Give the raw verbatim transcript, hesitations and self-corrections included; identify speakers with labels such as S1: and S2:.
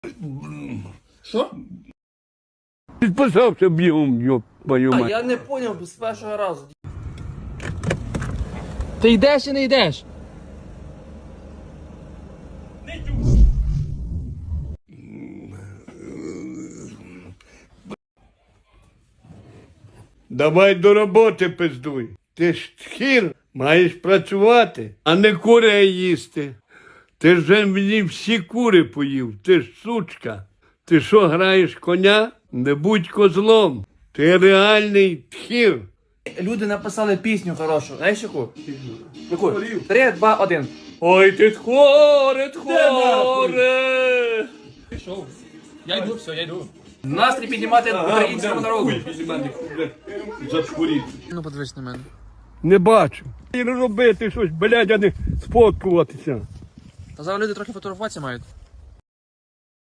S1: Що?
S2: Підписався бігом, йоп, твою
S1: А,
S2: мать.
S1: я не поняв з першого разу. Ти йдеш чи не йдеш?
S2: Давай до роботи пиздуй. Ти ж тхір, маєш працювати, а не курей їсти. Ти ж вже мені всі кури поїв, ти ж сучка. Ти що, граєш коня? Не будь козлом. Ти реальний тхір.
S1: Люди написали пісню хорошу. Знаєш яку? Яку? Три, два, один.
S2: Ой, ти тхоре, тхоре.
S1: Пішов. Я йду, все, я йду. Настрій піднімати українському народу.
S2: Затворіть.
S1: Ну подивись на мене.
S2: Не бачу. І робити щось, блядь, а не сфоткуватися.
S1: Та зараз люди трохи фотографуватися мають.